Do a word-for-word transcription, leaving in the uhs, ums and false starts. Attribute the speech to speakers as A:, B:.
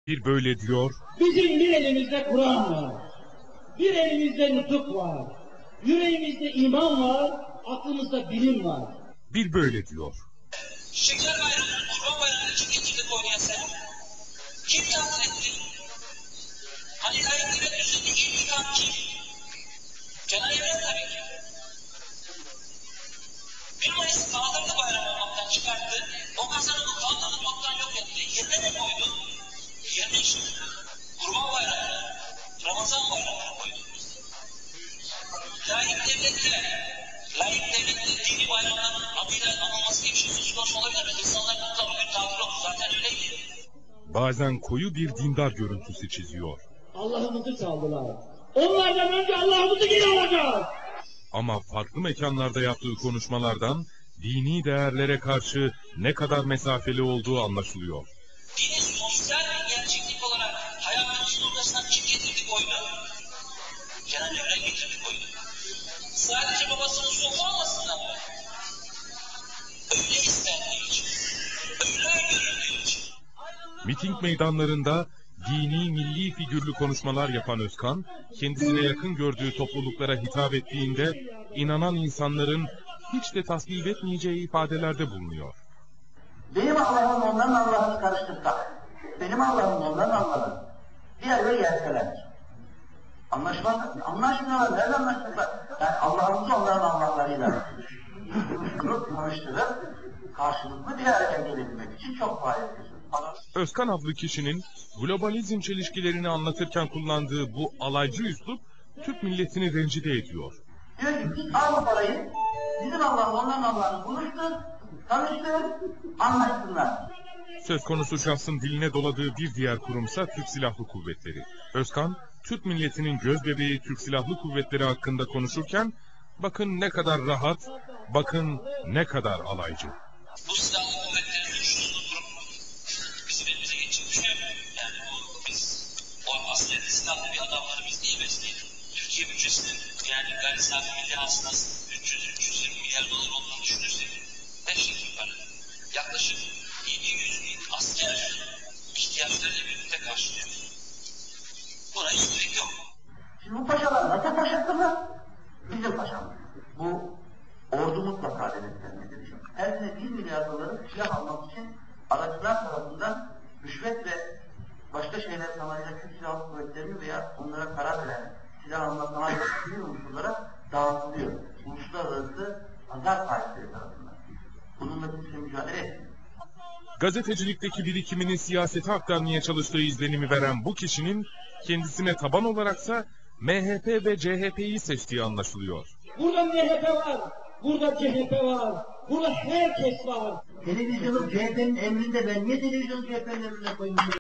A: Bir böyle diyor.
B: Bizim bir elimizde Kur'an var. Bir elimizde nutuk var. Yüreğimizde iman var. Aklımızda bilim var.
A: Bir böyle diyor.
C: Şeker bayramını, Kurban bayramını kim getirdi Konya'ya sen? Kim takdir etti? Hani layıklık düzeni ilk yıkan kim? Cenab-ı Evren tabii ki. bir Mayıs'ı kaldırdı bayram olmaktan çıkarttı. O kazanımı kaldırdı, toptan yok etti. Yerine ne koydu? Yerine işte Kurban bayramını, Ramazan bayramını koydu. Layık devlette, layık devlette dini bayramların adıyla anılması gibi şey söz konusu olabilir mi? İnsanlar mutlu bugün tatil oldu, zaten öyleydi.
A: Bazen koyu bir dindar görüntüsü çiziyor.
B: Allah'ımızı çaldılar. Onlardan önce Allah'ımızı geri alacağız.
A: Ama farklı mekanlarda yaptığı konuşmalardan dini değerlere karşı ne kadar mesafeli olduğu anlaşılıyor.
C: Dini sosyal bir gerçeklik olarak hayatımızın ortasından kim getirdi koydu? Cenab-ı Evren getirdi koydu. Sadece babasının sofu olmasından mı? Öyle istendiği için, öyle görüldüğü için.
A: Miting meydanlarında dini milli figürlü konuşmalar yapan Özkan, kendisine yakın gördüğü topluluklara hitap ettiğinde inanan insanların hiç de tasvip etmeyeceği ifadelerde bulunuyor.
D: Benim Allah'ım onların Allah'ını karıştırsak, benim Allah'ım onların Allah'ını bir yerde yerseler. Anlaşmaz, anlaşmıyorlar, nerede anlaştılar? Yani Allah'ımızı onların Allah'larıyla bunu karıştırıp karşılıklı bir araya gelebilmek için çok faydalı.
A: Özkan adlı kişinin globalizm çelişkilerini anlatırken kullandığı bu alaycı üslup Türk milletini rencide ediyor.
D: Diyor ki git al bu parayı, bizim Allah'ım onların Allah'ını buluştur, tanıştır, anlaşsınlar.
A: Söz konusu şahsın diline doladığı bir diğer kurumsa Türk Silahlı Kuvvetleri. Özkan, Türk milletinin gözbebeği Türk Silahlı Kuvvetleri hakkında konuşurken, bakın ne kadar rahat, bakın ne kadar alaycı.
C: Bu silahlı kuvvetlerin güçlüğünü kurup bizim elimize geçecek bir şey yok. Yani bu biz o aslında silahlı bir adamları biz niye besleyelim? Türkiye bütçesinin yani gayri safi milli hasılası üç yüz üç yüz yirmi milyar dolar olduğunu düşünürsek beş yıl yukarı yaklaşık yedi yüz bin asker ihtiyaçlarıyla birlikte karşılıyor. Buna hiç gerek yok.
D: Şimdi bu paşalar nasıl paşasılar? Bizim paşamız. Bu ordu mutlaka denetlenmelidir. Her sene bir milyar doları silah almak için aracılar tarafından rüşvet ve başka şeyler sanayiyle Türk Silahlı Kuvvetleri'ni veya onlara karar veren silah alma sanayiyle unsurlara dağıtılıyor. Uluslararası pazar sahipleri tarafından. Bununla kimse mücadele etmiyor.
A: Gazetecilikteki birikimini siyasete aktarmaya çalıştığı izlenimi veren bu kişinin kendisine taban olaraksa M H P ve C H P'yi seçtiği anlaşılıyor.
B: Burada M H P var, burada C H P var, burada herkes var.
D: Televizyonu C H P'nin emrinde, ben niye televizyonu C H P'nin emrine koyayım?